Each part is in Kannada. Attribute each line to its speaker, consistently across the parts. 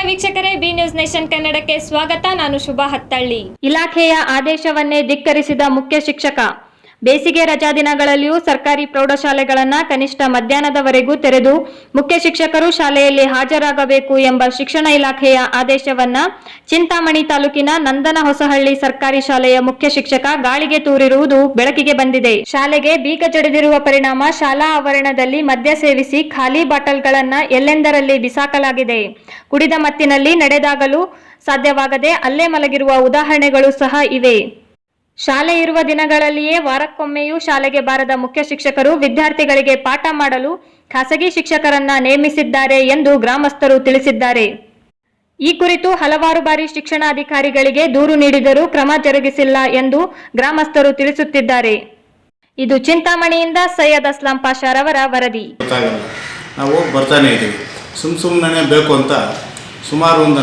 Speaker 1: ವೀಕ್ಷಕರೇ, ಬಿ ನ್ಯೂಸ್ ನೇಷನ್ ಕನ್ನಡಕ್ಕೆ ಸ್ವಾಗತ. ನಾನು ಶುಭಾ ಹತ್ತಳ್ಳಿ. ಇಲಾಖೆಯ ಆದೇಶವನ್ನೇ ಧಿಕ್ಕರಿಸಿದ ಮುಖ್ಯ ಶಿಕ್ಷಕ. ಬೇಸಿಗೆ ರಜಾ ದಿನಗಳಲ್ಲಿಯೂ ಸರ್ಕಾರಿ ಪ್ರೌಢಶಾಲೆಗಳನ್ನು ಕನಿಷ್ಠ ಮಧ್ಯಾಹ್ನದವರೆಗೂ ತೆರೆದು ಮುಖ್ಯ ಶಿಕ್ಷಕರು ಶಾಲೆಯಲ್ಲಿ ಹಾಜರಾಗಬೇಕು ಎಂಬ ಶಿಕ್ಷಣ ಇಲಾಖೆಯ ಆದೇಶವನ್ನ ಚಿಂತಾಮಣಿ ತಾಲೂಕಿನ ನಂದನ ಹೊಸಹಳ್ಳಿ ಸರ್ಕಾರಿ ಶಾಲೆಯ ಮುಖ್ಯ ಶಿಕ್ಷಕ ಗಾಳಿಗೆ ತೂರಿರುವುದು ಬೆಳಕಿಗೆ ಬಂದಿದೆ. ಶಾಲೆಗೆ ಬೀಗ ಜಡಿದಿರುವ ಪರಿಣಾಮ ಶಾಲಾ ಆವರಣದಲ್ಲಿ ಮದ್ಯ ಸೇವಿಸಿ ಖಾಲಿ ಬಾಟಲ್ಗಳನ್ನ ಎಲ್ಲೆಂದರಲ್ಲಿ ಬಿಸಾಕಲಾಗಿದೆ. ಕುಡಿದ ಮತ್ತಿನಲ್ಲಿ ನಡೆದಾಗಲು ಸಾಧ್ಯವಾಗದೆ ಅಲ್ಲೇ ಮಲಗಿರುವ ಉದಾಹರಣೆಗಳು ಸಹ ಇವೆ. ಶಾಲೆ ಇರುವ ದಿನಗಳಲ್ಲಿಯೇ ವಾರಕ್ಕೊಮ್ಮೆಯೂ ಶಾಲೆಗೆ ಬಾರದ ಮುಖ್ಯ ಶಿಕ್ಷಕರು ವಿದ್ಯಾರ್ಥಿಗಳಿಗೆ ಪಾಠ ಮಾಡಲು ಖಾಸಗಿ ಶಿಕ್ಷಕರನ್ನ ನೇಮಿಸಿದ್ದಾರೆ ಎಂದು ಗ್ರಾಮಸ್ಥರು ತಿಳಿಸಿದ್ದಾರೆ. ಈ ಕುರಿತು ಹಲವಾರು ಬಾರಿ ಶಿಕ್ಷಣಾಧಿಕಾರಿಗಳಿಗೆ ದೂರು ನೀಡಿದರೂ ಕ್ರಮ ಜರುಗಿಸಿಲ್ಲ ಎಂದು ಗ್ರಾಮಸ್ಥರು ತಿಳಿಸುತ್ತಿದ್ದಾರೆ. ಇದು ಚಿಂತಾಮಣಿಯಿಂದ ಸೈಯದ್ ಅಸ್ಲಾಂ ಪಾಷಾರವರ ವರದಿ.
Speaker 2: ನಾವು ಬರ್ತಾನೆ ಇದ್ದೀವಿ, ಸುಮ್ಮನೆ ಬೇಕು ಅಂತ ಸುಮಾರು ಒಂದು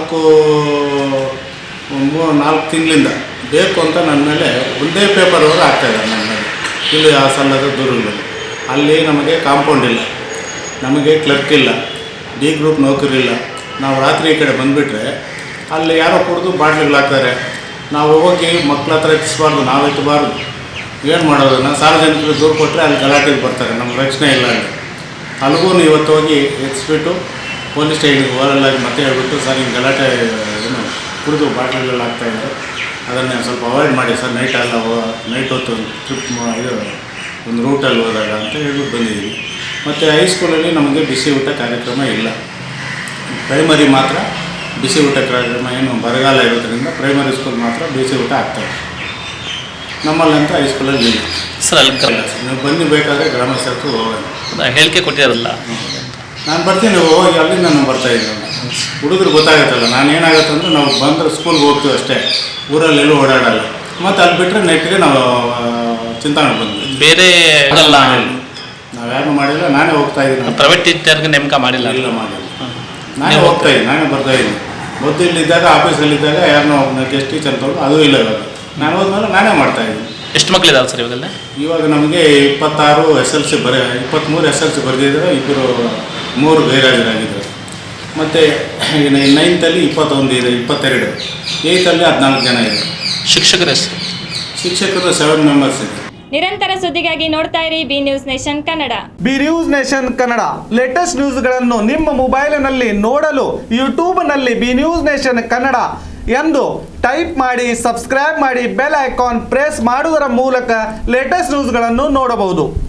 Speaker 2: 4 ತಿಂಗಳಿಂದ ಬೇಕು ಅಂತ ನನ್ನ ಮೇಲೆ ಒಂದೇ ಪೇಪರ್ವರೆಗೂ ಆಗ್ತಾಯಿದ್ದಾರೆ. ನನ್ನ ಮೇಲೆ ಇಲ್ಲಿ ಆ ಸಲ್ಲದ ದೂರುಗಳು. ಅಲ್ಲಿ ನಮಗೆ ಕಾಂಪೌಂಡ್ ಇಲ್ಲ, ನಮಗೆ ಕ್ಲರ್ಕ್ ಇಲ್ಲ, ಡಿ ಗ್ರೂಪ್ ನೌಕರಿ ಇಲ್ಲ. ನಾವು ರಾತ್ರಿ ಈ ಕಡೆ ಬಂದುಬಿಟ್ರೆ ಅಲ್ಲಿ ಯಾರೋ ಕುಡಿದು ಬಾಟ್ಲಿಗಳಾಗ್ತಾರೆ. ನಾವು ಹೋಗಿ ಮಕ್ಕಳ ಹತ್ರ ಎತ್ತಿಸ್ಬಾರ್ದು, ನಾವು ಎತ್ತಬಾರ್ದು. ಏನು ಮಾಡೋದು? ನಾನು ಸಾರ್ವಜನಿಕರಿಗೆ ದೂರು ಕೊಟ್ಟರೆ ಅಲ್ಲಿ ಗಲಾಟೆಗೆ ಬರ್ತಾರೆ, ನಮ್ಗೆ ರಕ್ಷಣೆ ಇಲ್ಲ ಅಲ್ಲಿ. ಅಲ್ಲಿಗೂ ಇವತ್ತು ಹೋಗಿ ಎತ್ತಿಸ್ಬಿಟ್ಟು ಪೊಲೀಸ್ ಸ್ಟೇಷನ್ಗೆ ಓರಲ್ಲಾಗಿ ಮತ್ತೆ ಹೇಳ್ಬಿಟ್ಟು, ಸರ್ ಹಿಂಗೆ ಗಲಾಟೆ ಏನು ಕುಡಿದು ಬಾಟ್ಲಿಗಳು ಆಗ್ತಾಯಿದ್ದಾರೆ, ಅದನ್ನು ಸ್ವಲ್ಪ ಅವಾಯ್ಡ್ ಮಾಡಿ ಸರ್, ನೈಟ್ ಹೊತ್ತು ಟ್ರಿಪ್ ಇದು ಒಂದು ರೂಟಲ್ಲಿ ಹೋದಾಗ ಅಂತ ಹೇಳ್ಬಿಟ್ಟು ಬಂದಿದ್ದೀವಿ. ಮತ್ತು ಹೈಸ್ಕೂಲಲ್ಲಿ ನಮಗೆ ಬಿಸಿ ಊಟ ಕಾರ್ಯಕ್ರಮ ಇಲ್ಲ. ಪ್ರೈಮರಿ ಮಾತ್ರ ಬಿಸಿ ಊಟ ಕಾರ್ಯಕ್ರಮ, ಏನು ಬರಗಾಲ ಇರೋದ್ರಿಂದ ಪ್ರೈಮರಿ ಸ್ಕೂಲ್ ಮಾತ್ರ ಬಿಸಿ ಊಟ ಆಗ್ತದೆ. ನಮ್ಮಲ್ಲಂತ ಹೈಸ್ಕೂಲಲ್ಲಿ ಇಲ್ಲ
Speaker 3: ಸರ್. ಅಲ್ಲಿ
Speaker 2: ನೀವು ಬನ್ನಿ, ಬೇಕಾದರೆ ಗ್ರಾಮಸ್ಥರು ಹೋಗೋಣ.
Speaker 3: ಹೇಳಿಕೆ ಕೊಟ್ಟಿರಲ್ಲ,
Speaker 2: ನಾನು ಬರ್ತೀನಿ, ಹೋಗಿ ಅಲ್ಲಿ ನಾನು ಬರ್ತಾಯಿದ್ದೀನಿ. ಹುಡುಗರು ಗೊತ್ತಾಗುತ್ತಲ್ಲ, ನಾನು ಏನಾಗುತ್ತೆ ಅಂದರೆ ನಾವು ಬಂದರೆ ಸ್ಕೂಲ್ಗೆ ಹೋಗ್ತೀವಿ ಅಷ್ಟೇ, ಊರಲ್ಲಿ ಎಲ್ಲೂ ಓಡಾಡಲ್ಲ. ಮತ್ತು ಅಲ್ಲಿ ಬಿಟ್ಟರೆ ನೆಟ್ಟಿಗೆ ನಾವು ಚಿಂತಾಮಣಿ ಬಂದ್ವಿ.
Speaker 3: ಬೇರೆ
Speaker 2: ನಾವು ಯಾರು ಮಾಡಿಲ್ಲ, ನಾನೇ ಹೋಗ್ತಾಯಿದ್ದೀನಿ.
Speaker 3: ಪ್ರೈವೇಟ್ ಟೀಚರ್ಗೆ ನೇಮಕ ಮಾಡಿಲ್ಲ?
Speaker 2: ಇಲ್ಲ, ಮಾಡಿಲ್ಲ. ನಾನೇ ಹೋಗ್ತಾಯಿದ್ದೀನಿ, ನಾನೇ ಬರ್ತಾಯಿದ್ದೀನಿ. ಮೊದಲಿದ್ದಾಗ ಆಫೀಸಲ್ಲಿದ್ದಾಗ ಯಾರನ್ನೋ ಗೆಸ್ಟ್ ಟೀಚರ್ ತೊಗೊಂಡು ಅದು ಇಲ್ಲ. ಇವಾಗ ನಾನು ಹೋದ್ಮೇಲೆ ನಾನೇ ಮಾಡ್ತಾಯಿದ್ದೀನಿ.
Speaker 3: ಎಷ್ಟು ಮಕ್ಕಳಿದ್ದಾರೆ ಸರ್ ಇವಾಗೆಲ್ಲ?
Speaker 2: ಇವಾಗ ನಮಗೆ 26 SLC 23 SLC ಬರೆದಿದ್ದಾರೆ, 3 ಗೈರಾಜರಾಗಿದ್ದಾರೆ. ಮತ್ತು 9th 21 ಇದೆ, 22, 8th 14 ಜನ ಇದೆ.
Speaker 3: ಶಿಕ್ಷಕರು
Speaker 2: 7 ಮೆಂಬರ್ಸ್ ಇದೆ.
Speaker 1: ನಿರಂತರ ಸುದ್ದಿಗಾಗಿ ನೋಡ್ತಾ ಇರಿ B news nation Kannada.
Speaker 4: B news nation Kannada latest ನ್ಯೂಸ್ಗಳನ್ನು ನಿಮ್ಮ ಮೊಬೈಲಿನಲ್ಲಿ ನೋಡಲು ಯೂಟ್ಯೂಬ್ನಲ್ಲಿ ಬಿ ನ್ಯೂಸ್ ನೇಷನ್ ಕನ್ನಡ ಎಂದು ಟೈಪ್ ಮಾಡಿ, ಸಬ್ಸ್ಕ್ರೈಬ್ ಮಾಡಿ, ಬೆಲ್ ಐಕಾನ್ ಪ್ರೆಸ್ ಮಾಡುವುದರ ಮೂಲಕ ಲೇಟೆಸ್ಟ್ ನ್ಯೂಸ್ಗಳನ್ನು ನೋಡಬಹುದು.